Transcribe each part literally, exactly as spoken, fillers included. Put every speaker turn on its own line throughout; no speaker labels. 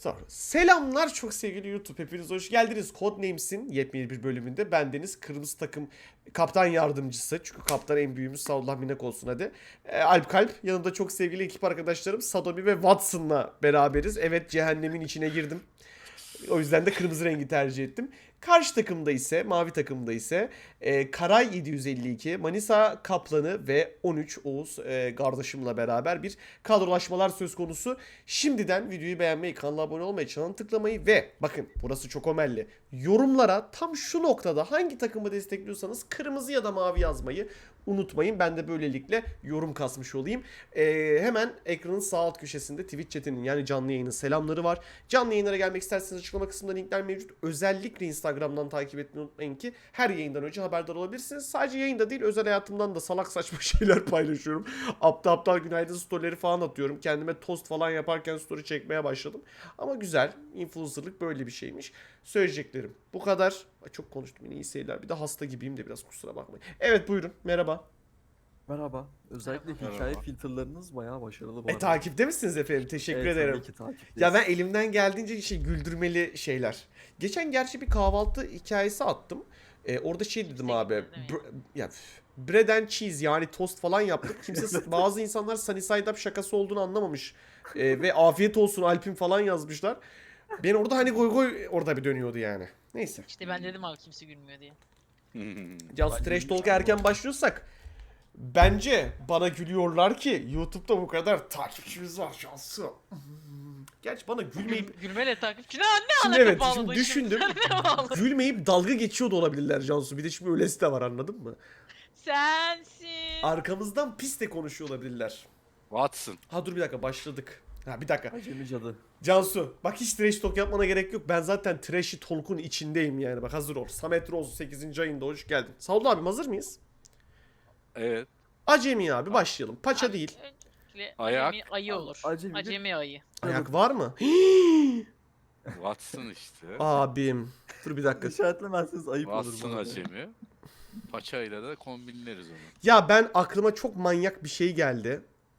Sonra, selamlar çok sevgili YouTube. Hepiniz hoş geldiniz. Codenames'in yepyeni bir bölümünde bendeniz kırmızı takım kaptan yardımcısı. Çünkü kaptan en büyüğümüz, sağ Allah minnet olsun hadi. Ee, Alp Kalp. Yanımda çok sevgili ekip arkadaşlarım Sadomi ve Watson'la beraberiz. Evet, cehennemin içine girdim. O yüzden de kırmızı rengi tercih ettim. Karşı takımda ise, mavi takımda ise e, Karay yedi yüz elli iki, Manisa Kaplanı ve on üç Oğuz e, kardeşimle beraber bir kadrolaşmalar söz konusu. Şimdiden videoyu beğenmeyi, kanala abone olmayı, çanı tıklamayı ve bakın burası çok önemli. Yorumlara tam şu noktada hangi takımı destekliyorsanız kırmızı ya da mavi yazmayı unutmayın. Ben de böylelikle yorum kasmış olayım. Ee, hemen ekranın sağ alt köşesinde Twitch chatinin yani canlı yayının selamları var. Canlı yayınlara gelmek isterseniz açıklama kısmında linkler mevcut. Özellikle Instagram'dan takip etmeyi unutmayın ki her yayından önce haberdar olabilirsiniz. Sadece yayında değil, özel hayatımdan da salak saçma şeyler paylaşıyorum. Aptal aptal günaydın storyleri falan atıyorum. Kendime tost falan yaparken story çekmeye başladım. Ama güzel. Influencer'lık böyle bir şeymiş. Söyleyeceklerim bu kadar. Ay, çok konuştum yine, iyi seyirler. Bir de hasta gibiyim de biraz, kusura bakmayın. Evet, buyurun. Merhaba.
Merhaba. Özellikle hikaye
Merhaba.
filtrlarınız bayağı başarılı bu
E
arada.
takipte misiniz efendim? Teşekkür
Evet,
ederim.
tabii ki takipteyiz.
Ya ben elimden geldiğince şey, güldürmeli şeyler. Geçen gerçi bir kahvaltı hikayesi attım. Ee, orada şey dedim abi. br- ya üf, bread and cheese yani tost falan yaptık. Kimse bazı insanlar sunny side up şakası olduğunu anlamamış. Ee, ve afiyet olsun Alp'in falan yazmışlar. Ben orada hani goy goy orada bir dönüyordu yani. Neyse.
İşte ben dedim abi kimse gülmüyor diye.
Cansu
Ben
Trash
gülmüştüm
Talk'a erken başlıyorsak bence bana gülüyorlar ki YouTube'da bu kadar takipçimiz var Cansu. Gerçi bana gülmeyip
Gülmeyle takipçi ne, ne
Şimdi
alaka
evet,
bağladın
şimdi düşündüm.
Ne bağladın?
Gülmeyip dalga geçiyor da olabilirler Cansu. Bir de şimdi öylesi de var, anladın mı?
Sensin.
Arkamızdan pis de konuşuyor olabilirler.
Watson.
Ha dur bir dakika, başladık. Ha bir dakika.
Acemi cadı.
Cansu bak, hiç trash talk yapmana gerek yok. Ben zaten trashy talk'un içindeyim yani. Bak hazır ol. Samet Roz sekizinci ayında hoş geldin. Sağ abim, hazır mıyız?
Evet.
Acemi abi, başlayalım. Paça değil.
Öncelikle
Ayak.
Acemi ayı olur.
Acemi
Acemi,
bir-
ayı.
Ayak var mı?
Watson işte.
Abim. Dur bir dakika.
İşaretlemezseniz ayıp olur
Watson
bu arada.
acemi. Paçayla da kombinleriz onu.
Ya ben, aklıma çok manyak bir şey geldi.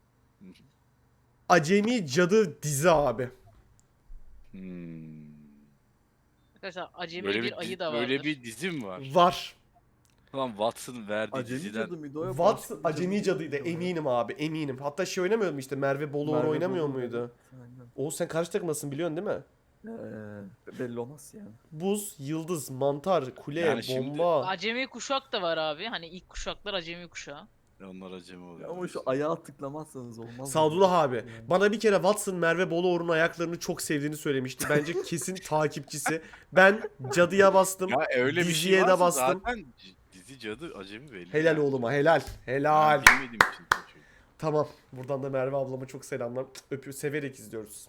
Acemi Cadı dizi abi.
Hmm.
Arkadaşlar acemi
Böyle
bir,
bir,
ayı
di-
da vardır.
böyle bir dizi mi var?
Var.
Lan Watson verdiği
Acemi
diziden.
cadı mıydı o?
Watson
Başka bir
acemi
cadı
cadıydı,
mıydı o ya?
eminim abi, eminim. Hatta şey oynamıyor mu işte, Merve Boluğur
Merve
oynamıyor
Boluğur,
muydu?
evet, aynen.
Oğuz, sen karşı takımdasın biliyorsun değil mi?
Ee, belli olmaz yani.
Buz, yıldız, mantar, kule,
Yani şimdi-
bomba.
Acemi kuşak da var abi. Hani ilk kuşaklar acemi kuşağı.
Onlar acemi oluyor.
Ya ama şu ayağa tıklamazsanız olmaz.
Sadullah abi.
Yani.
Bana bir kere Watson Merve Boluğur'un ayaklarını çok sevdiğini söylemişti. Bence kesin takipçisi. Ben cadıya bastım.
Ya öyle bir
diziye
şey
de
varsa
bastım.
zaten c- dizi cadı acemi belli.
Helal
yani.
oğluma, helal. Helal.
Ben bilmediğim için konuşuyorum.
Tamam. Buradan da Merve ablama çok selamlar. Öpüyor, severek izliyoruz.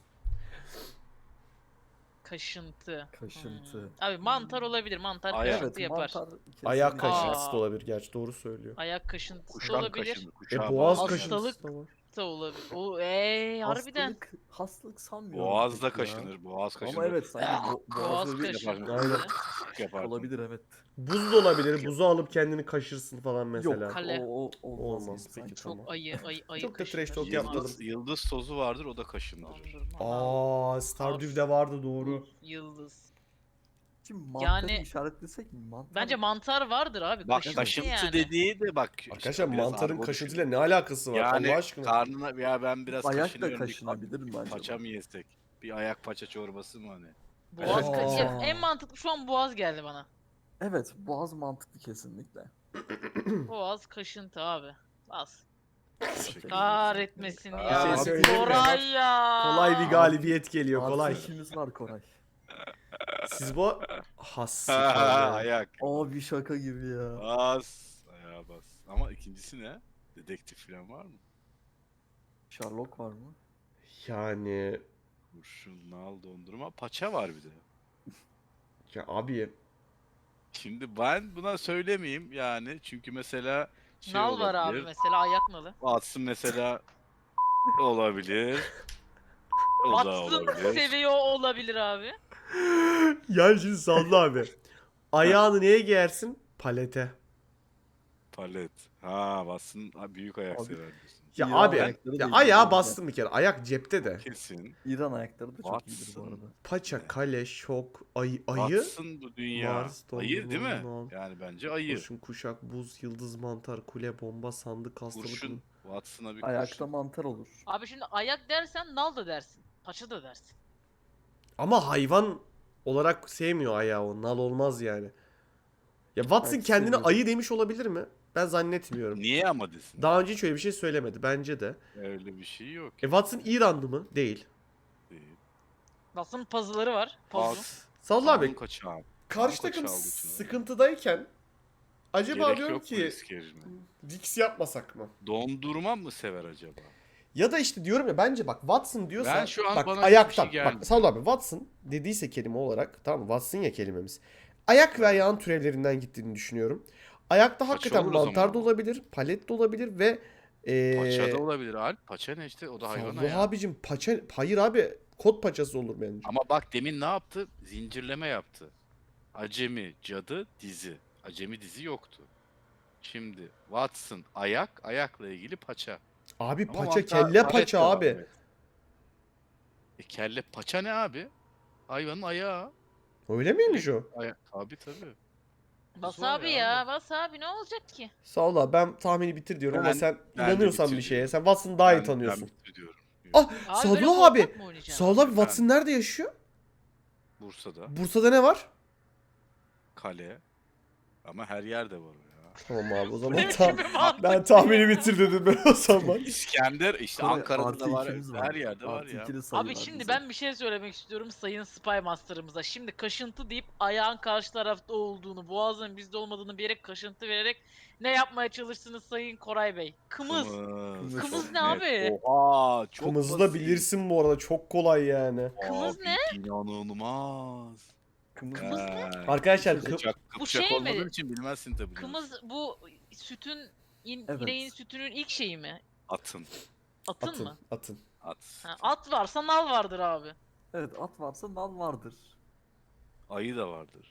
Kaşıntı.
Kaşıntı.
Hmm. Abi mantar olabilir. Mantar
Ayak.
kaşıntı
Evet,
yapar.
mantar
Ayak
kesinlikle-
kaşıntısı
Aa.
da olabilir gerçi, doğru söylüyor.
Ayak kaşıntısı da
Kuşak
olabilir.
kaşını.
E
Kuşağı
boğaz
bağlı.
kaşıntısı da var.
Da olabilir. O eee harbiden.
Hastalık, hastalık sanmıyorum.
Boğazda
pek ya.
kaşınır. Boğaz kaşınır.
Ama evet sanki bo
Boğaz
boğaz böyle
kaşıntısı.
Aynen.
Yapar.
Olabilir evet.
Buz da olabilir. Buzu alıp kendini kaşırsın falan mesela.
Yok
Kale.
o, o olmaz,
Olmaz,
gibi
peki,
sanki.
tamam.
Çok ayı ayı ayı
Çok da trash
kaşınır.
talk yapmadım.
Yıldız, yıldız tozu vardır, o da kaşındırır.
Dondurma.
Aa, Stardew'de vardı, doğru.
Yıldız.
Şimdi mantarı
Yani-
işaretlesek mi? Mantar...
Bence mantar vardır abi.
Bak
kaşıntı
kaşıntı
yani.
dediği de bak.
Arkadaşlar
işte biraz
mantarın
argo
kaşıntıyla
düşün.
ne alakası var
Yani
Allah aşkına?
karnına ya ben biraz
Ayak da
kaşınıyorum. bir
kaşınabilir mi acaba?
Paça mı yesek? Bir ayak paça çorbası mı hani?
Boğaz
Aa.
kaşı. En mantıklı şu an boğaz geldi bana.
Evet, boğaz mantıklı kesinlikle.
Boğaz kaşıntı abi. Bas.
Teşekkür
Kahretmesin
Aa,
ya.
bir şey söyleyeyim mi?
Koray ya.
Kolay bir galibiyet geliyor,
Artı
kolay.
işimiz var Koray.
Siz bu has.
Ayak.
Abi şaka gibi ya.
Bas. Ayağa bas. Ama ikincisi ne? Dedektif falan var mı?
Sherlock var mı?
Yani
Kurşun, nal, dondurma, paça var bir de.
ya abi,
Şimdi ben buna söylemeyeyim yani çünkü mesela şey
Nal var abi
olabilir.
mesela ayak nalı.
Watson mesela olabilir. O da
Watson
olabilir.
seviyor olabilir abi.
ya şimdi Sallı abi. Ayağını neye giyersin? Palete.
Palet. Ha Watson ha, büyük ayak
Abi-
sever diyorsun.
Ya
İran
abi
ayakları da
ya
iyi
ayağa
değil.
bastım bir kere. Ayak cepte de.
Kesin.
İran ayakları da çok iyidir bu
Watson.
arada.
Paça, kale, şok, ayı, ayı.
Watson bu dünya.
Mars,
ayı değil mi?
dondurma, nal.
Yani bence ayı.
Kurşun, kuşak, buz, yıldız, mantar, kule, bomba, sandık, hastalık.
Kurşun. Watson'a bir
Ayakta
kurşun.
mantar olur.
Abi şimdi ayak dersen nal da dersin. Paça da dersin.
Ama hayvan olarak sevmiyor ayağı o. Nal olmaz yani. Ya Watson
Belki
kendine
seviyordur.
ayı demiş olabilir mi? Ben zannetmiyorum.
Niye ama desin?
Daha önce hiç öyle bir şey söylemedi. Bence de.
Öyle bir şey yok.
E Watson İranlı mı? Değil.
Değil.
Nasıl puzzle'ları var? Puzzle.
At.
Salla abi.
Kanun kaçağı.
Karşı
Kanun
takım
kaçağı olduğu için öyle.
sıkıntıdayken acaba
Gerek
diyorum
yok mu
ki
risk erime?
Dix yapmasak mı?
Dondurma mı sever acaba?
Ya da işte diyorum ya bence bak Watson diyorsa
Ben şu an
bak
bana hiçbir
ayaktan
şey gelmiyor.
bak Salla abi Watson dediyse kelime olarak tamam mı? Watson ya kelimemiz. Ayak ve ayağın türevlerinden gittiğini düşünüyorum. Ayakta hakikaten
olur o
mantar
zaman
da
ama.
olabilir, palet de olabilir ve ee,
Paça da olabilir Alp. Paça ne işte? O da hayvan
Salla
ayağı.
abicim paça hayır abi kot paçası olur bence.
Ama bak demin ne yaptı? Zincirleme yaptı. Acemi, cadı, dizi. Acemi dizi yoktu. Şimdi Watson ayak, ayakla ilgili paça.
Abi
Ama
paça
mantar-
kelle
palet
paça
de var,
abi.
evet. E kelle paça ne abi? Hayvanın ayağı.
Öyle miymiş o?
Aya tabii tabii.
Bas
var
abi
ya,
ya. Bas abi ne olacak ki?
Sağ ol abi ben tahmini bitir diyorum ama
Ben-
sen
ben de
inanıyorsan bir
bitir
şeye.
diyorum.
Sen Watson'ı daha iyi
Ben-
tanıyorsun.
Ben bitiriyorum.
Ah
Abi böyle
Sadullah abi.
korkak mı oynayacaksın?
Sağ ol abi Watson nerede yaşıyor?
Bursa'da
Bursa'da ne var?
kale. Ama her yerde var o ya.
Tamam abi o
Ne
zaman
biçim
tam,
bir mantık
ben
ya?
tahmini bitir dedim ben o zaman.
İskender işte
Koray,
Ankara'da
artı
da var.
ikimiz
Her yerde var
Artı
ya.
ikili sayı
Abi
var
şimdi
bize.
ben bir şey söylemek istiyorum Sayın Spy Master'ımıza. Şimdi kaşıntı deyip ayağın karşı tarafta olduğunu, boğazın bizde olmadığını bilerek kaşıntı vererek ne yapmaya çalıştınız Sayın Koray Bey? Kımız.
Kımız,
Kımız
çok
ne
net.
abi?
Oha çok
Kımızı da
basit.
bilirsin bu arada çok kolay yani.
Kımız
Abi,
ne?
İnanılmaz.
Kımız
Kımız
mı?
ne?
He.
Arkadaşlar kı-
Kıpçak,
Bu
kıpçak
şey mi?
olmadığın için bilmezsin tabii.
Kımız bu sütün, in,
Evet.
ineğin sütünün ilk şeyi mi?
Atın.
Atın,
atın
mı?
atın.
At.
Ha, at varsa nal vardır abi.
Evet at varsa nal vardır.
Ayı da vardır.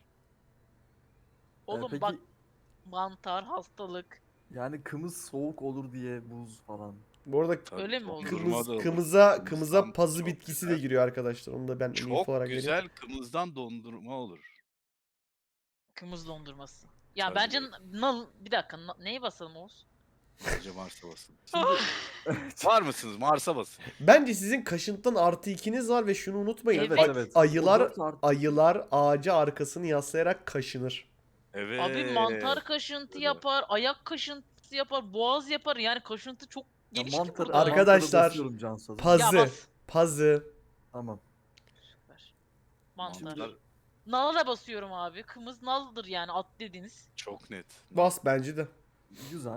Ee,
Oğlum
peki
bak mantar, hastalık.
yani kımız soğuk olur diye buz falan.
Bu arada
Tabii,
Öyle mi oldu?
dondurma
kımız,
da olur.
kımıza kımıza
Kımızdan
pazı
çok
bitkisi de
güzel.
giriyor arkadaşlar. Onu da ben info
Çok
olarak vereyim.
güzel kımızdan dondurma olur.
Kımız dondurması. Ya
Tabii.
bence nal bir dakika na- neyi basalım Oğuz?
Bence Mars'a basın. Var mısınız? Mars'a basın.
Bence sizin kaşıntıdan artı ikiniz var ve şunu unutmayın.
Evet.
Ay-
Evet.
Ayılar
O dört artı-
ayılar ağaca arkasını yaslayarak kaşınır.
Evet.
Abi mantar kaşıntı
Öyle.
yapar, ayak kaşıntısı yapar, boğaz yapar. Yani kaşıntı çok
Ya
geniş ki
mantarı-
burada.
Arkadaşlar,
mantarı basıyorum Cansu.
paz-
Ya
pazı.
bas.
Pazı.
Tamam.
Süper. Mantar.
Mantar
Nala da basıyorum abi. Kımız naldır yani at dediniz.
çok net.
Bas bence de.
Güzel.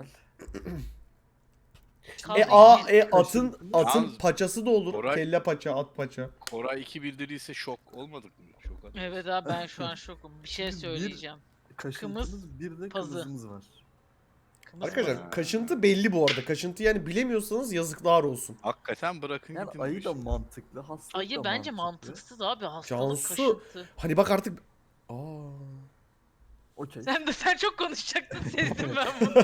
Kaldı
E a
iki.
e atın
Kaşıntı.
atın
Yalnız
paçası da olur.
Koray-
Kelle paça, at paça.
Koray iki bildirirse şok olmadık mı? Şok atmış.
Evet abi ben şu an şokum. Bir şey
Bir-
söyleyeceğim.
Kaşıntımız bir de
pazı.
kımızımız var.
Kımız
Arkadaşlar
Ha.
kaşıntı belli bu arada. Kaşıntı yani bilemiyorsanız yazıklar olsun.
Hakikaten bırakın
Yani
gidin bu
ayı da
işi.
mantıklı, hastalık da
Ayı bence
mantıklı.
mantıksız abi. Hastalık
Cansu.
kaşıntı.
Hani bak artık Aa.
Okey.
Sen de sen çok konuşacaktın sezdim ben bunu.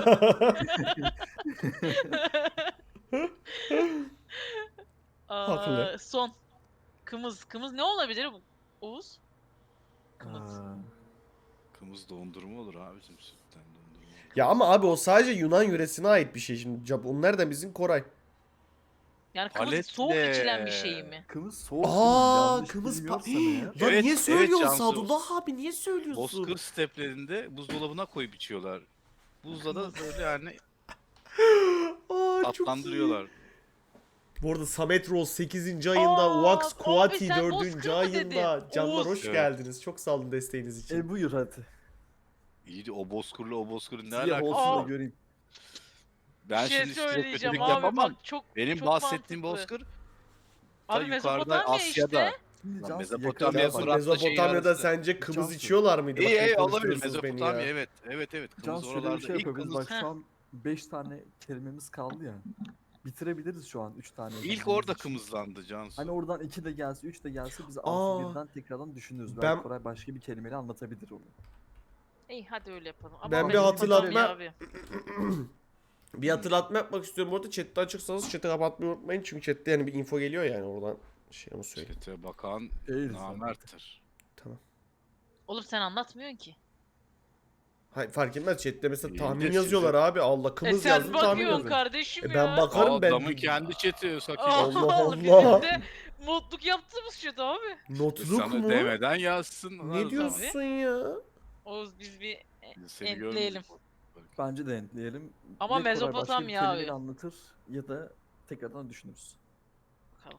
Aa,
Haklı.
Son. Kımız. Kımız ne olabilir bu? Oğuz? Kımız.
Aa,
Kımız dondurma olur abicim sütten dondurma olur.
Ya ama abi o sadece Yunan yöresine ait bir şey şimdi. Cap- Onlar nereden bizim Koray?
Yani kımız
Paletle.
soğuk içilen bir şey mi?
Kımız soğuk.
Aa,
yanlış
kımız pa-
bilmiyorsam eğer.
Ya
Evet,
niye
evet
söylüyorsun
Cansu.
Sadullah abi niye söylüyorsun?
Bozkır steplerinde buzdolabına koyup içiyorlar. Buzla da böyle yani
Aa, çok iyi.
tatlandırıyorlar.
Bu arada Samet Rose sekizinci ayında,
Aa,
Wax
abi
Kuati
sen
dördüncü
Bozkır mı
ayında.
dedin?
Canlar
Oğuz.
hoş
Evet.
geldiniz. Çok sağ olun desteğiniz için.
E buyur hadi.
İyi de o bozkırla o bozkırın ne
Siyah
alakası
olsun da
var?
göreyim.
Ben
bir şey
şimdi size
söyleyeceğim
kötülük
abi
yapamam.
bak çok
Benim
çok
bahsettiğim
mantıklı.
bozkır ta
Abi
yukarıda
Mezopotamya
Asya'da.
işte.
Şimdi
Lan
Cansu
Mezopotamya
yakarız
Cansu
bak.
Fırat'la şeyin
Mezopotamya'da
arası.
sence kımız
Cansu.
içiyorlar mıydı?
İyi
Bak,
iyi
ne
olabilir
konuşturuyorsunuz beni
Mezopotamya
ya.
evet. Evet evet. Kımız
Cansu şöyle bir
oralarda
şey
ilk
yapıyoruz.
kımız
Bak şu an beş tane kelimemiz kaldı ya. Bitirebiliriz şu an üç tane.
ilk
kelimemiz
orada
için.
kımızlandı Cansu.
Hani oradan iki de gelse, üç de gelse biz
Aa.
altı birden tekrardan düşünürüz.
Ben-
Belki Koray başka bir kelimeyle anlatabilir onu.
İyi hadi öyle yapalım. Ama
Ben
bir
Mezopotamya
hatırlatma-
abi.
Bir hatırlatma yapmak istiyorum. Bu arada chatte açıksanız chat'i kapatmayı unutmayın. Çünkü chatte yani bir info geliyor yani oradan. Şey onu söyleyeyim.
Çete bakan
Değil
namerttir.
Tamam.
Oğlum sen anlatmıyorsun ki.
Hayır fark etmez. Chatte mesela
İyi de
tahmin
size-
yazıyorlar abi. Allah
E
kımız
sen
yazdım tahmin
bakıyorsun
yazdım.
kardeşim
E
ya.
ben bakarım
Aa,
ben.
adamın kendi chat'i Saki.
Allah Allah.
Bizim de modluk yaptığımız chat abi.
Notluk
Sana
mu?
demeden yazsın.
Ne
Lan
diyorsun ya?
Oğuz biz bir
zaman. Seni
Entleyelim.
görmedik.
Bence de entleyelim.
Ama
Ya Koray başka
Mezopotamya
bir kelimeyle
abi.
anlatır ya da tekrardan düşünürüz.
bakalım.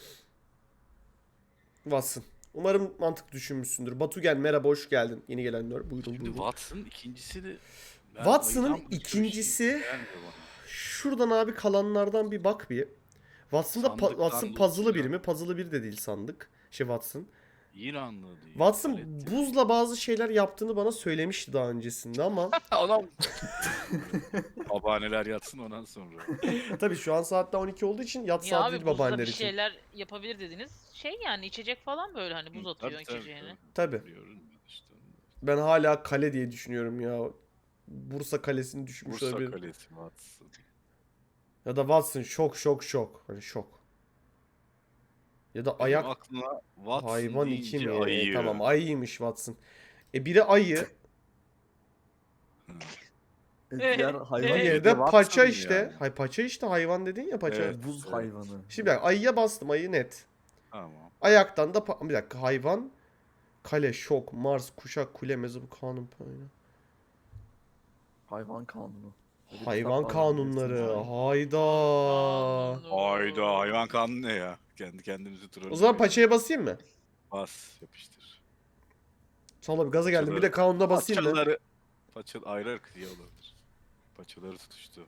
Watson. Umarım mantık düşünmüşsündür. Batu gel merhaba hoş geldin. Yeni gelenler buyurun
Şimdi
buyurun.
Watson ikincisi de... Ben
Watson'ın
ayıdan başka bir şey
ikincisi-
gelmiyor bana.
Şuradan abi kalanlardan bir bak bir. Watson'da pa-
Sandıktan
Watson
loot
puzzle'lı biri
çıkan.
mi? Puzzle'lı biri de değil sandık. Şey Watson.
İranlı değil.
Watson
Gayret.
buzla bazı şeyler yaptığını bana söylemişti daha öncesinde ama
Adam... Babaanneler yatsın ondan sonra.
tabii şu an saatte on iki olduğu için yat
Niye
saat
abi
değil
buzda
babaanneler
bir
için.
şeyler yapabilir dediniz. Şey yani içecek falan böyle hani buz
Hı,
atıyor
tabii, tabii,
içeceğine.
Tabii.
Biliyorum ben işte.
Ben hala kale diye düşünüyorum ya. Bursa kalesini düşmüş
Bursa
olabilir.
Kalesi Watson.
Ya da Watson şok şok şok. Hani şok. Ya da
Benim
ayak
aklına Watson
hayvan iki
deyince
mi?
ayı.
Tamam ayıymış Watson. E biri ayı,
Hı.
E,
Evet,
diğer hayvan
evet.
diğeri
de
de
Watson
paça
yani.
işte. Hay paça işte hayvan dedin ya paça.
Evet.
buz
evet.
hayvanı.
Şimdi bak, ayıya bastım ayı net.
Tamam.
Ayaktan da pa- bir dakika hayvan, kale, şok, Mars, kuşak, kule, mezop, kanun, payına.
Hayvan kanunu. Böyle bir
Hayvan
kitap var,
kanunları.
bilirsiniz.
Hayda.
Hayda hayvan kanunu ne ya? Kendi kendimizi turarız.
O zaman paçaya basayım mı?
Bas yapıştır.
Sonra bir gaza geldim. Bir de
Paçaları-
kanuna basayım mı?
Paçaları. Paça ayrı ayrı kıyı olabilir. Paçaları tutuştu.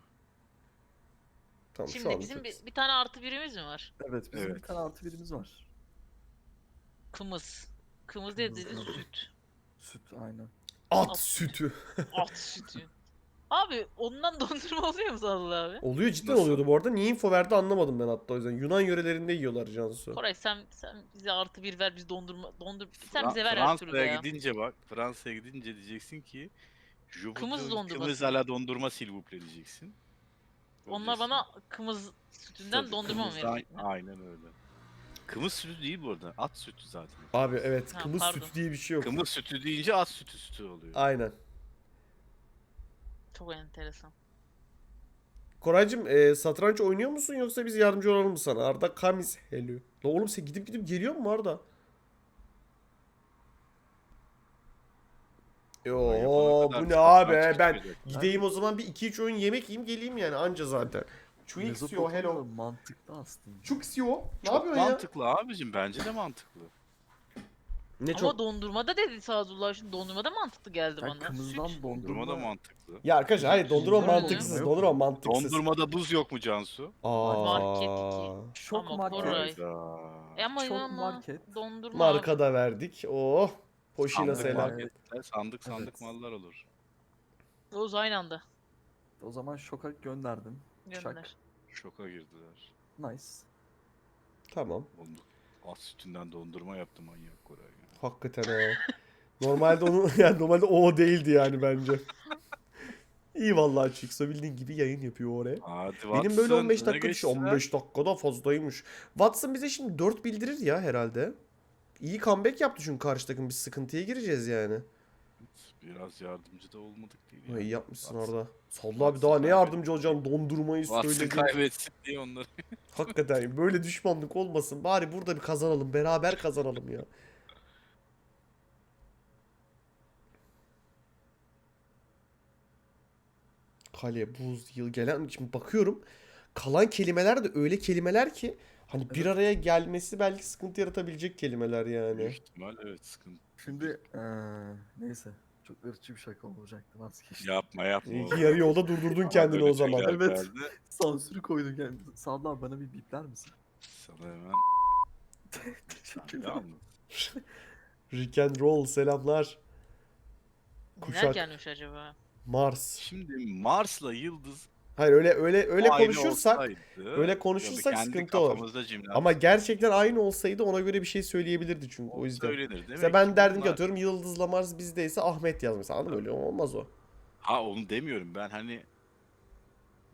Tamam şu
Şimdi
an.
bizim bir, bir tane artı birimiz mi var?
Evet bizim bir
Evet.
tane artı birimiz var.
Kımız. Kımız dedi
Kımız, evet.
süt.
Süt aynen.
At
At.
sütü.
At sütü. Abi ondan dondurma oluyor mu Sadullah abi?
Oluyor cidden
Nasıl?
oluyordu bu arada. Niye info verdi anlamadım ben hatta o yüzden. Yunan yörelerinde yiyorlar Cansu.
Koray sen sen bize artı bir ver biz dondurma dondur sen
Fra-
bize ver her türlü
Fransa'ya
ya.
gidince bak. Fransa'ya gidince diyeceksin ki Je
Kımız
voudrais
dondurması.
Kımız ala dondurma s'il vous plaît diyeceksin.
Onlar
Göreceksin.
bana kımız sütünden
Tabii,
dondurma mı
kımızdan-
verecek?
Aynen öyle. Kımız sütü değil bu arada. At sütü zaten.
Abi evet
Ha,
kımız
pardon.
sütü diye bir şey yok.
Kımız sütü deyince at sütü sütü oluyor.
Aynen.
Çok enteresan.
Koraycığım e, satranç oynuyor musun yoksa biz yardımcı olalım mı sana? Arda Kamis hello. La oğlum sen gidip gidip geliyor mu Arda? Yo
Yapana kadar
bu ne
satranç
abi ben
çıkacak.
gideyim o zaman bir iki üç oyun yemek yiyeyim geleyim yani anca zaten. Chuxio
Mezopotamya
hello.
mantıklı aslında.
Chuxio ne
Çok
yapıyorsun ya?
mantıklı abicim. Bence de mantıklı.
Ne
Ama
çok
dondurma da dedi Sadullah şimdi dondurma da mantıklı geldi
Yani
bana.
kımızdan
Süt.
Dondurma
dondurma
da mantıklı.
ya arkadaşlar hayır dondurma
Dondurma
mantıksız
yok.
dondurma mantıksız.
Dondurmada buz yok mu Cansu?
Market
Aa,
iki.
Şok
Ama
market.
Koray.
Hayda.
E ama
Çok
ama
market.
dondurma
marka
abi.
da verdik. Oh. Poşina
Sandık
selam.
marketler, sandık sandık
Evet.
mallar olur.
Oğuz aynı anda.
O zaman şoka gönderdim.
Gönder.
Şak.
Şoka girdiler.
Nice.
Tamam.
Oğlum, at sütünden dondurma yaptı manyak Koray. ya.
Hakikaten ha. Normalde onu yani normalde o değildi yani bence. İyi vallahi Çıksa bildiğin gibi yayın yapıyor oraya.
Hadi
Benim böyle
Watson,
on beş
öne
dakika düşüyor.
geçtiler.
on beş dakikada fazlaymış. Watson bize şimdi dört bildirir ya herhalde. İyi comeback yaptı çünkü karşı takım. Biz sıkıntıya gireceğiz yani.
Biraz yardımcı da olmadık değil
Ha,
ya.
iyi yapmışsın
Watson-
orada. Salla abi
Watson
daha ne
kaybetti.
yardımcı olacağım dondurmayı
Watson
söyledim.
kaybetsin diye onları.
Hakikaten böyle düşmanlık olmasın. Bari burada bir kazanalım. Beraber kazanalım ya. Kale, buz, yıl gelen. Şimdi bakıyorum. Kalan kelimeler de öyle kelimeler ki hani bir
Evet.
araya gelmesi belki sıkıntı yaratabilecek kelimeler yani.
Büyük ihtimal evet sıkıntı.
Şimdi eee neyse. Çok ırkçı bir şaka olacaktı vazgeçtim.
Yapma yapma.
İyi
oğlum.
ki yarı yolda durdurdun
Bana
kendini
böyle
o zaman.
şeyler
Evet.
geldi.
Sansürü koydum kendime. Sadullah bana bir bipler misin?
Sana hemen
Teşekkürler.
yalnız.
Rick and Roll selamlar.
Neler
Kuşak.
gelmiş acaba?
Mars.
Şimdi Mars'la Yıldız
Hayır öyle öyle öyle
aynı
konuşursak
olsaydı,
öyle
ya da
konuşursak
kendi
sıkıntı olur.
kafamızda cimnastik
Ama gerçekten aynı olsaydı ona göre bir şey söyleyebilirdi çünkü o yüzden.
söylenir. Demek
Mesela ben
ki
derdim ki
bunlar-
atıyorum Yıldız'la Mars bizdeyse Ahmet yaz mesela anladın mı? Öyle olmaz o.
Ha onu demiyorum ben hani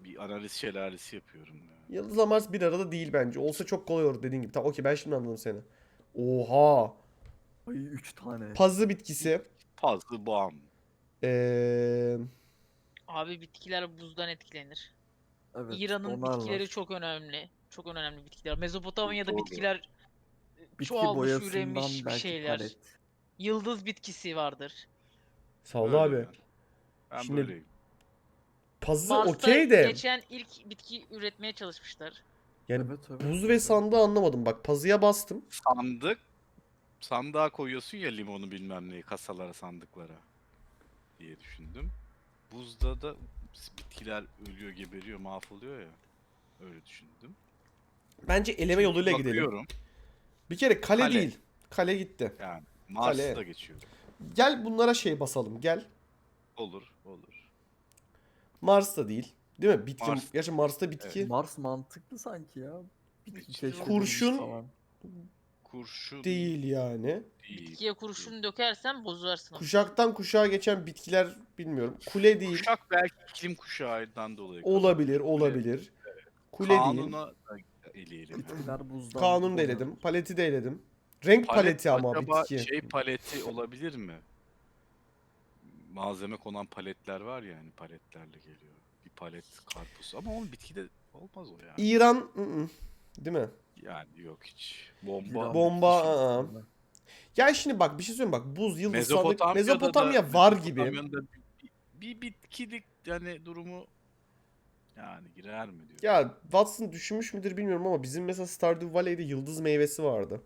bir analiz şelalesi yapıyorum. Ya.
Yıldızla Mars bir arada değil bence. Olsa çok kolay olur dediğin gibi. Tamam okey ben şimdi anladım seni. Oha.
Ay üç tane.
Pazı bitkisi.
Fazla boğam.
Ee,
Abi bitkiler buzdan etkilenir.
Evet,
İran'ın
onlar
bitkileri
var.
çok önemli. Çok önemli bitkiler. Mezopotamya'da
Doğru.
bitkiler
Bitki
çoğalmış,
boyasından
üremiş bir
belki
şeyler.
palet.
Yıldız bitkisi vardır.
sağ ol
Öyle
abi.
yani. Ben
Şimdi-
böyleyim.
Pazı
Mars'ta
okey de.
geçen ilk bitki üretmeye çalışmışlar.
Yani
Evet, evet,
buz ve
evet.
sandığı anlamadım. Bak pazıya bastım.
Sandık. Sandığa koyuyorsun ya limonu bilmem neyi kasalara sandıklara diye düşündüm. Buzda da bitkiler ölüyor geberiyor mahvoluyor ya. Öyle düşündüm.
Bence eleme yoluyla gidelim.
Bakıyorum
Bir kere kale,
Kale.
değil. Kale gitti.
yani Mars'ta
Kale.
geçiyor.
Gel bunlara şey basalım. Gel.
Olur olur.
Mars da değil. Değil mi? Bitki.
Mars.
Gerçi Mars'ta bitki.
Mars mantıklı sanki ya. Bitki
Hiç-
keşfedilmiş
Kurşun-
falan.
Kurşun
Değil yani.
değil.
Bitkiye kurşun dökersen bozarsın. onu.
Kuşaktan kuşağa geçen bitkiler bilmiyorum. Kule değil.
Kuşak belki iklim kuşağından dolayı.
Olabilir, olabilir. Kule değil.
Kanuna da eleyelim.
Bitkiler buzdan.
Kanun da
oluyor.
eledim. Paleti de eledim. Renk paleti ama
acaba
bitki.
şey paleti olabilir mi? Malzeme konan paletler var ya hani paletlerle geliyor. Bir palet karpuz ama onun bitkide olmaz o yani.
İran ı-ı. Değil mi?
Yani yok hiç. Bomba.
İran
Bomba,
bitkisi
aa.
aslında.
Ya şimdi bak bir şey söyleyeyim bak. Buz, yıldız, sandık.
Mezopotamya'da
Mezopotamya
da,
var gibi.
Mezopotamya'da bir, bir bitkilik yani durumu yani girer mi diyor.
Ya Watson düşünmüş müdür bilmiyorum ama bizim mesela Stardew Valley'de yıldız meyvesi vardı.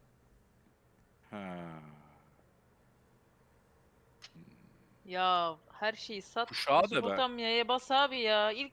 Ha.
Ya her şeyi sat.
Kuşağı da ben-
Mezopotamya'ya bas abi ya. İlk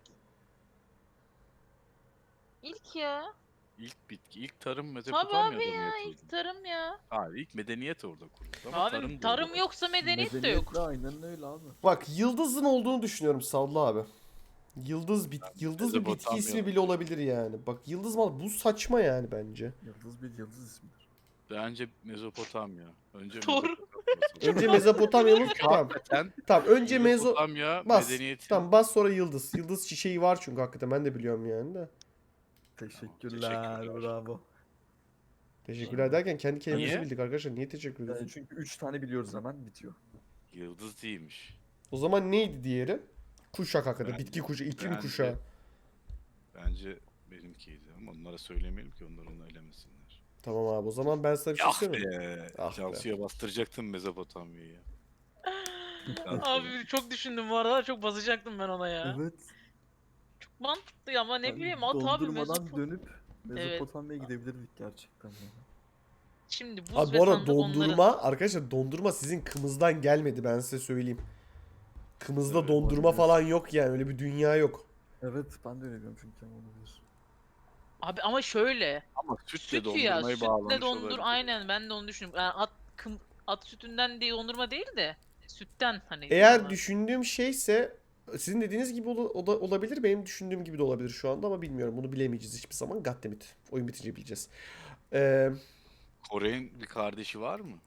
İlk ya.
İlk bitki, ilk tarım
Tabii
Mezopotamya'da
abi
mı
ya.
yapıldı?
İlk tarım ya.
Hayır, ilk medeniyet orada kuruldu ama
Abi
tarım,
tarım,
burada.
yoksa medeniyet de
Medeniyet
yok.
de aynen öyle abi.
Bak yıldızın olduğunu düşünüyorum Savlı abi. Yıldız bit yıldız bir bitki
Mezopotamya
ismi bile olabilir yani. Bak yıldız mal bu saçma yani bence.
Yıldız bir yıldız ismidir.
Bence Mezopotamya. Önce
Doğru.
Mezopotamya.
Önce Mezopotamyalı tamam.
Hakikaten
Tamam önce Mezo
Mezopotamya
bas.
medeniyeti.
Tamam bas sonra yıldız. Yıldız çiçeği var çünkü hakikaten ben de biliyorum yani de.
Teşekkürler,
teşekkürler.
bravo.
Teşekkürler derken kendi kelimemizi
Niye?
bildik arkadaşlar. Niye teşekkür
Yani
ediyorsun?
çünkü üç tane biliyoruz hemen bitiyor.
Yıldız değilmiş.
O zaman neydi diğeri? Kuşak hakikaten.
Bence-
Bitki kuşağı, iklim
bence-
kuşağı.
Bence benimkiydi ama onlara söylemeyelim ki onlar onu elemesinler.
Tamam abi o zaman ben sana bir şey
Ah
söyleyeyim.
be.
Ah be.
Cansu'ya bastıracaktım Mezopotamya'yı.
Abi çok düşündüm bu arada. Çok basacaktım ben ona ya.
Evet.
Çok mantıklı ama ne
Yani
bileyim at abi
dondurmadan
Mezopot-
dönüp Mezopotamya'ya gidebilirdik gerçekten. Yani.
Şimdi buz
Abi
ve
bu arada
sandık
dondurma
onların.
arkadaşlar dondurma sizin kımızdan gelmedi ben size söyleyeyim. Kımızda
Evet,
dondurma
olabilir.
falan yok yani öyle bir dünya yok.
Evet ben de öyle diyorum çünkü olabilir.
Abi ama şöyle.
Ama sütle
Süt ya.
dondurmayı
Sütle
bağlamış
dondur.
olabilir.
Aynen ben de onu düşünüyorum. Yani at, kım, at sütünden değil dondurma değil de. Sütten hani.
Eğer
dondurma.
düşündüğüm şeyse sizin dediğiniz gibi ola- ola- olabilir benim düşündüğüm gibi de olabilir şu anda ama bilmiyorum bunu bilemeyeceğiz hiçbir zaman. Goddammit. Oyun bitince bileceğiz. Ee,
Kore'nin bir kardeşi var mı?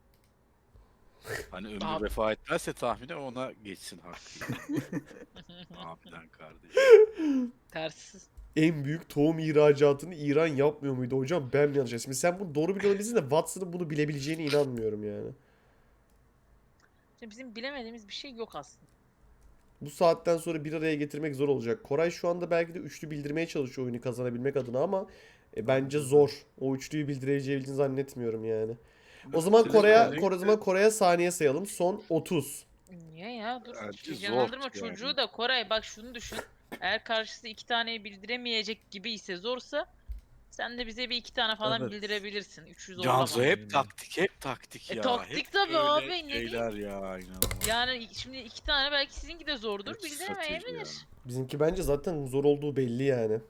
Hani ömrü
Abi-
vefa etmezse tahmine ona geçsin hakkı. Abiden kardeş.
Tersiz.
en büyük tohum ihracatını İran yapmıyor muydu hocam? Ben mi yanlış? Şimdi sen bunu doğru biliyor olabilirsin de Watson'ın bunu bilebileceğine inanmıyorum yani.
Şimdi bizim bilemediğimiz bir şey yok aslında.
Bu saatten sonra bir araya getirmek zor olacak. Koray şu anda belki de üçlü bildirmeye çalışıyor oyunu kazanabilmek adına ama e, bence zor. O üçlüyü bildirebileceğini zannetmiyorum yani. O zaman
Sizin
Kore'ye
özellikle-
Kore, o zaman Kore'ye saniye sayalım. Son otuz.
Niye ya? Dur.
Bence zor
Heyecanlandırma
yani.
çocuğu da Koray bak şunu düşün. Eğer karşısı iki taneyi bildiremeyecek gibi ise zorsa sen de bize bir iki tane falan
Evet.
bildirebilirsin. üç yüz
Cansu
zorlama.
hep taktik, hep taktik
E,
ya.
taktik
hep
tabii
böyle
abi, ne diyeyim?
Şeyler ya inanılmaz.
Yani şimdi iki tane belki sizinki de zordur.
Hep strateji
Bildiremeyebilir.
ya.
Bizimki bence zaten zor olduğu belli yani.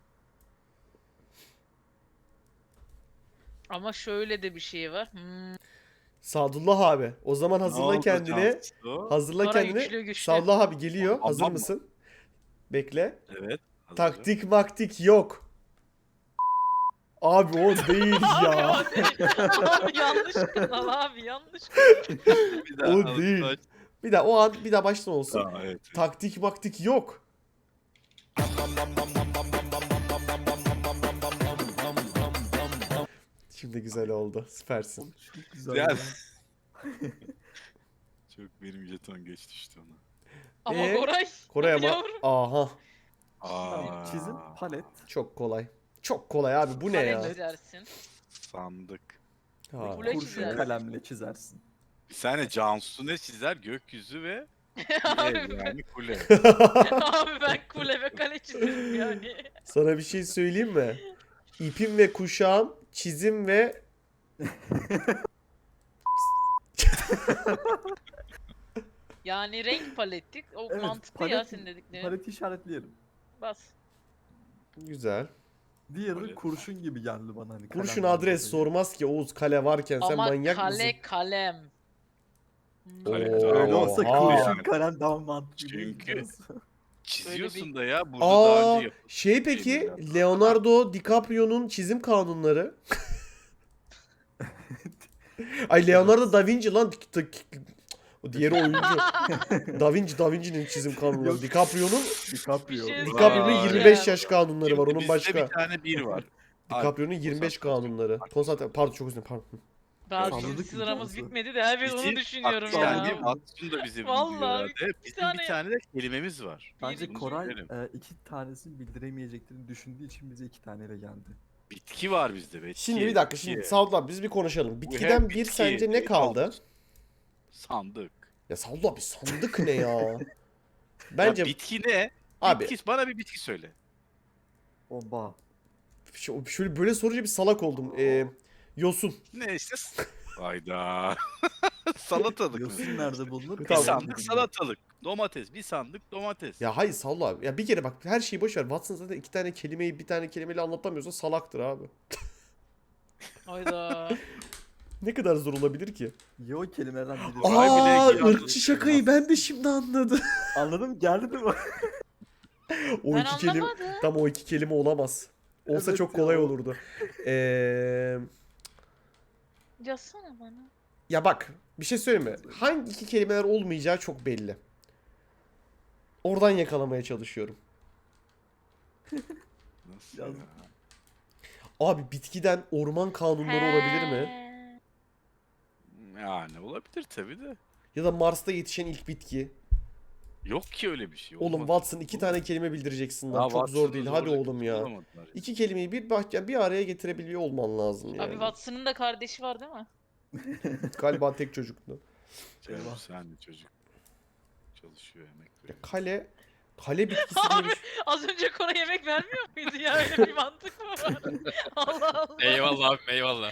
Ama şöyle de bir şey var. Hmm,
Sadullah abi. O zaman
Ne
hazırla
oldu
kendini.
Cansu?
Hazırla
Koray
kendini.
güçlü güçlü.
Sadullah abi geliyor.
Tamam
Hazır
mı?
mısın? Bekle.
Evet. hazırım.
Taktik maktik yok. Abi o değil ya.
abi yanlış kanal abi yanlış.
Bir daha
O
al-
değil.
aç.
Bir daha o an bir daha baştan olsun.
Aa, evet, evet.
Taktik maktik yok. Şimdi güzel oldu. Süpersin.
Oğlum çok güzel.
Güzel.
ya.
Çok benim jeton geç düştü ona.
Ama
Ee,
Koray.
Koray
hadi
ama
yavrum.
aha
Tamam, çizim, palet.
çok kolay. Çok kolay abi, bu ne
Kale
ya?
çizersin.
Sandık.
Ha.
Kule
Kurşun
çizersin.
kalemle çizersin.
Bir saniye Cansu ne çizer? Gökyüzü ve
Abi
ev
ben-
yani kule.
Abi ben kule ve kale çizerim yani.
Sana bir şey söyleyeyim mi? İpim ve kuşağım, çizim ve
Yani renk palettik. O
Evet,
mantıklı ya
palet-
senin dediklerin.
Paleti işaretleyelim.
Bas.
güzel.
Diğeri
Palet.
kurşun gibi geldi bana. Hani
Kurşun
kalemden
adres
dolayı.
sormaz ki Oğuz, kale varken sen
Ama
manyak
kale
mısın?
kalem.
Kale
Oo,
kalem.
Öyle olsa
Oha.
kurşun kalem daha mantıklı.
Çünkü-
değil mi?
Çiziyorsun da ya burada daha
Aa,
önce yapılmış
şey peki
şeyler.
Leonardo DiCaprio'nun çizim kanunları. Ay Leonardo da Vinci lan. O diğeri oyuncu. Da Vinci, Da Vinci'nin çizim kanunları.
Yok.
DiCaprio'nun
DiCaprio.
Bir şey
DiCaprio'nun
Vay.
yirmi beş yaş kanunları var,
Şimdi
onun
bizde
başka.
bir tane bir var.
DiCaprio'nun yirmi beş kanunları. Konsantre, pardon çok özür dilerim, pardon.
Daha
Salladık
bizim
mı
sıramız
Cansu?
bitmedi de evet onu
Bizim-
düşünüyorum
bak,
ya.
Yani Watson da bizi
Vallahi
biliyor herhalde.
bir
Bizim
tane
bir tane de kelimemiz var.
Bence
Bunu
Koray
söylerim.
e, iki tanesini bildiremeyeceklerini düşündüğü için bize iki taneyle geldi.
Bitki var bizde. Bitki,
Şimdi bir dakika,
bitki.
şimdi Sadullah biz bir konuşalım.
Bu
Bitkiden
hem
bir
bitki,
sence ne
şey
kaldı?
olmuş. Sandık.
Ya Sadullah bir sandık ne ya? Bence
Ya bitki ne?
abi
Bitki, bana bir bitki söyle.
Oba.
şu- şöyle böyle sorunca bir salak oldum. Ee, yosun.
Ne işte? Hayda. Salatalık mı?
Yosun nerede bulunur?
Bir
Tamam.
sandık salatalık. Domates. Bir sandık domates.
Ya hayır Sadullah. Ya bir kere bak, her şeyi boş ver. Watson zaten iki tane kelimeyi bir tane kelimeyle anlatamıyorsa salaktır abi.
Hayda.
Ne kadar zor olabilir ki?
Yo kelimelerden biri.
Vay bile
Aa,
iyi
ırkçı
anladım.
şakayı ben de şimdi anladım.
Anladım, geldi değil mi?
O
Ben
iki kelime
anlamadım.
tam o iki kelime olamaz. Olsa
Evet
çok
ya.
kolay olurdu. Ee,
Yazsana bana.
ya bak, bir şey söyleyeyim mi? Hangi iki kelimeler olmayacağı çok belli. Oradan yakalamaya çalışıyorum.
Nasıl
Yazdım.
ya?
Abi bitkiden orman kanunları olabilir mi?
He.
Yani olabilir tabi de.
Ya da Mars'ta yetişen ilk bitki.
Yok ki öyle bir şey.
Oğlum
olmaz.
Watson iki tane kelime bildireceksin lan.
Daha
Çok zor
Watson'ı
değil. Hadi
zorla
oğlum ya.
bulamadılar ya.
İki kelimeyi bir bahçe bir araya getirebiliyor olman lazım yani.
Abi Watson'ın da kardeşi var değil mi?
Galiba tek çocuktu.
Canım,
Eyvah.
sen de çocuk. Çalışıyor emek
Ya
veriyor.
kale kale bitkisi diye bir şey.
Az önce Koray yemek vermiyor muydu ya? Öyle bir mantık mı var? Allah Allah.
Eyvallah abi eyvallah.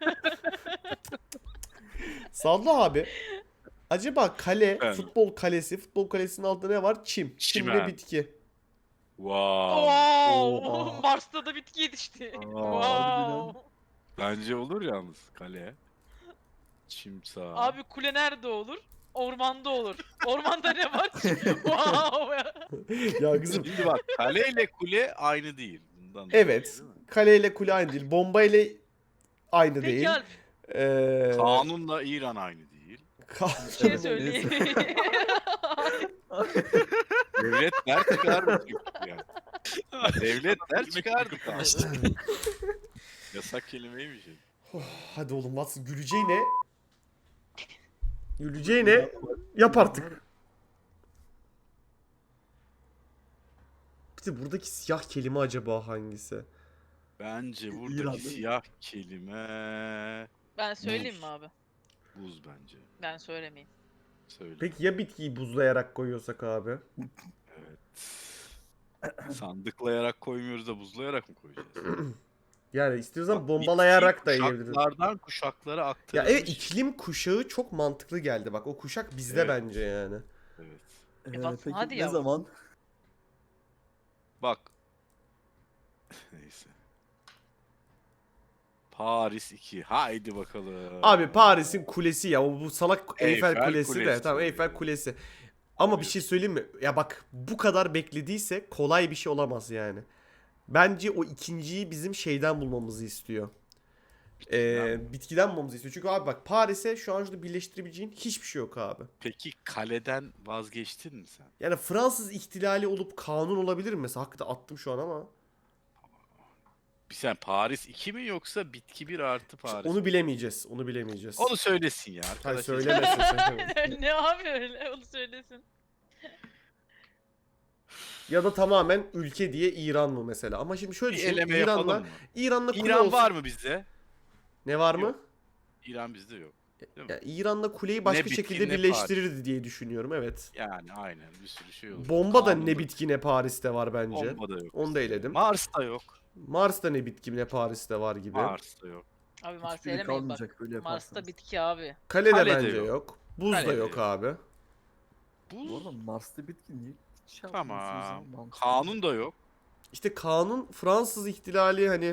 Sadullah abi. Acaba kale,
Evet.
futbol kalesi, futbol kalesinin altında ne var? Çim. Çim ve
Çimen.
bitki.
Wow.
Wow.
Oha.
Mars'ta da bitki yetişti.
harbiden.
Wow.
Bence olur yalnız kale. Çimsa.
Abi kule nerede olur? Ormanda olur. Ormanda ne var? Wow.
Ya kızım,
Şimdi bak kale ile kule aynı değil. Bundan
evet.
dolayı, değil mi?
Kale ile kule aynı değil. Bomba ile aynı
Peki
değil.
Alp,
Ee,
Kanunla İran aynı değil.
ka-
bir şey
Evet,
söyleyeyim.
Devletler çıkardı çünkü yani. Devletler çıkardı kanun. Yasak kelimeymiş. ya.
Hadi oğlum Watson, güleceğine güleceğine yap artık. Bir de buradaki siyah kelime acaba hangisi?
Bence buradaki
İran.
siyah kelime
Ben söyleyeyim
Buz.
mi abi?
buz bence.
Ben söylemeyeyim.
Söyle.
Peki ya bitkiyi buzlayarak koyuyorsak abi?
Evet. Sandıklayarak koymuyoruz da buzlayarak mı koyacağız?
Yani istiyorsan
Bak,
bombalayarak da
bitki
yiyebiliriz.
Kuşaklardan kuşaklara
Ya
aktarılmış.
evet, iklim kuşağı çok mantıklı geldi. Bak o kuşak bizde
Evet.
bence yani.
Evet.
Ee,
Watson,
peki
hadi
ne
yavrum.
zaman?
Bak. Neyse. Paris iki. Haydi bakalım.
Abi Paris'in kulesi ya. O bu salak Eyfel,
Eyfel
Kulesi, de.
Kulesi.
Tamam, Eyfel Kulesi. Ama bir
Tabii.
şey söyleyeyim mi? Ya bak, bu kadar beklediyse kolay bir şey olamaz yani. Bence o ikinciyi bizim şeyden bulmamızı istiyor. Ee, bitkiden bulmamızı istiyor. Çünkü abi bak Paris'e şu an şurada birleştirebileceğin hiçbir şey yok abi.
Peki kaleden vazgeçtin mi sen?
Yani Fransız ihtilali olup kanun olabilir mi mesela? Hakikaten attım şu an ama.
Bir sen Paris iki mi yoksa bitki bir artı
İşte
Paris?
onu bilemeyeceğiz. Onu bilemeyeceğiz.
Onu söylesin ya
Hayır
arkadaş.
söylemesin sen.
ne abi öyle onu söylesin.
Ya da tamamen ülke diye İran mı mesela? Ama şimdi şöyle
Bir
düşün.
eleme yapalım
İran'la
mı?
İran'la kule
İran
olsun.
var mı bizde?
Ne var mı?
Yok. İran bizde yok. Değil mi?
Ya İran'la kuleyi başka
Ne bitki,
şekilde
ne
birleştirirdi diye düşünüyorum. Evet.
Yani aynen bir sürü şey olur.
Bomba da
Kanunda-
ne bitki ne Paris'te var bence.
Bomba da yok.
Onu da eledim.
Mars'ta yok.
Mars'ta ne bitki ne Paris'te var gibi.
Mars'ta yok.
Abi Mars'ı
Hiçbiri
elemeyin bak.
kalmayacak böyle yaparsanız.
Mars'ta bitki abi.
Kalede,
Kalede
bence yok.
yok.
Buz da
Kalede
yok
yok.
abi.
Bu
Bu
arada Mars'ta bitki niye hiç şey
tamam.
yapmıyorsunuz ya? Mantıklı.
Kanun da yok.
İşte kanun Fransız ihtilali hani.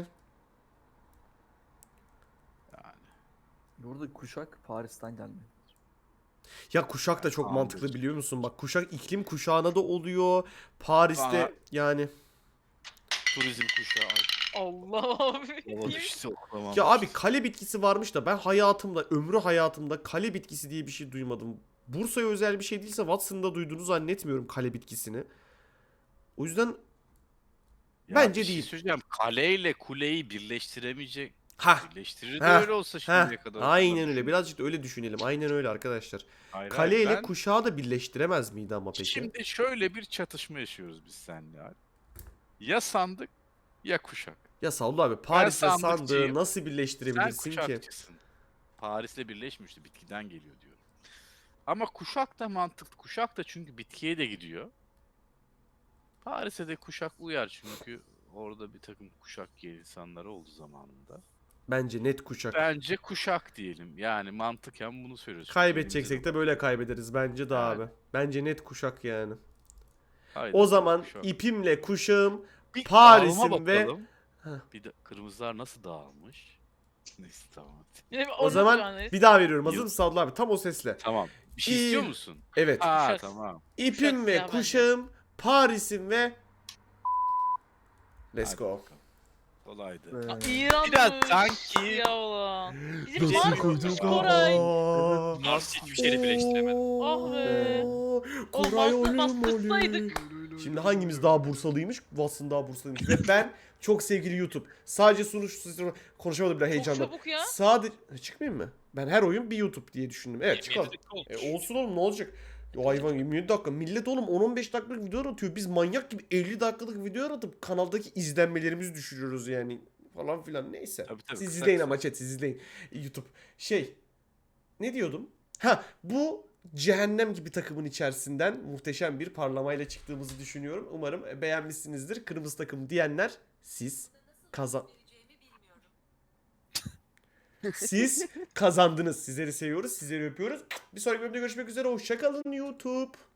Yani.
Burada kuşak Paris'ten gelme.
Ya kuşak da çok
Kanun
mantıklı
diyorsun.
biliyor musun? Bak kuşak iklim kuşağına da oluyor. Paris'te
Bana-
yani.
Turizm kuşağı.
Allah abi.
Baba düştü oklamam.
Ya abi kale bitkisi varmış da ben hayatımda, ömrü hayatımda kale bitkisi diye bir şey duymadım. Bursa'ya özel bir şey değilse Watson'da duyduğunu zannetmiyorum kale bitkisini. O yüzden
Ya
bence
bir şey
değil.
söyleyeceğim. Kaleyle kuleyi birleştiremeyecek.
ha
Birleştirir de
Heh,
öyle olsa
ha
şimdiye kadar.
aynen öyle. Birazcık da öyle düşünelim. Aynen öyle arkadaşlar.
Hayır,
Kale
hayır,
ile
ben-
kuşağı da birleştiremez miydi ama peki?
Şimdi şöyle bir çatışma yaşıyoruz biz seninle abi. Ya sandık ya kuşak.
Ya Sallı abi Paris'le sandığı
sandıkçıyım.
nasıl
Sen
birleştirebilirsin ki?
kuşakçısın. Paris'le birleşmişti. Bitkiden geliyor diyorum. Ama kuşak da mantıklı. Kuşak da çünkü bitkiye de gidiyor. Paris'e de kuşak uyar çünkü orada bir takım kuşak giyen insanları oldu zamanında.
Bence net kuşak.
Bence kuşak diyelim. Yani mantıken bunu söylüyorsun.
Kaybedeceksek de böyle kaybederiz bence de
Evet.
abi. Bence net kuşak yani.
Haydi
O zaman
kuşak.
ipimle kuşağım
Bir
Paris'im
dağılma
ve-
bakalım.
Heh.
Bir de kırmızılar nasıl dağılmış? Neyse tamam.
Yine
o
onu
zaman
şu
bir daha veriyorum. Hazır
Yıl-
mısın Sadullah abi? Tam o sesle.
Tamam. Bir şey
İyi.
istiyor musun?
Evet.
Aa
Kuşak.
tamam.
İpim
Kuşak
ve
siyah bence.
kuşağım Paris'im ve Let's
Hadi
go.
bakalım. Kolaydı.
Ee,
İran
Biraz
mı?
sanki-
Ya ulan. Bizim
Nasıl
Mars'mış
koyduk?
Koray.
Aa.
Mars hiçbir şeyle birleştiremedim.
Ah be.
Oo,
Oğlum
Koray
Mars'la
ölüm
bastırsaydık.
ölüm. Şimdi hangimiz daha Bursalıymış? Watson daha Bursalıymış. Ve ben çok sevgili YouTube. Sadece sunuş konuşamadım bile
Çok
heyecandan.
çabuk ya.
Sadece çıkmayayım mı? Ben her oyun bir YouTube diye düşündüm. Evet çıkalım. E, olsun oğlum ne olacak? O hayvan yirmi yedi dakika. Millet oğlum on on beş dakikalık video atıyor. Biz manyak gibi elli dakikalık video atıp kanaldaki izlenmelerimizi düşürüyoruz yani. Falan filan neyse.
Tabii, tabii,
siz
kısa
izleyin
kısa.
ama chat siz izleyin. YouTube. Şey. Ne diyordum? Ha bu cehennem gibi takımın içerisinden muhteşem bir parlamayla çıktığımızı düşünüyorum. Umarım beğenmişsinizdir. Kırmızı takım diyenler siz kazan... Siz kazandınız. Sizleri seviyoruz. Sizleri öpüyoruz. Bir sonraki bölümde görüşmek üzere. Hoşçakalın YouTube.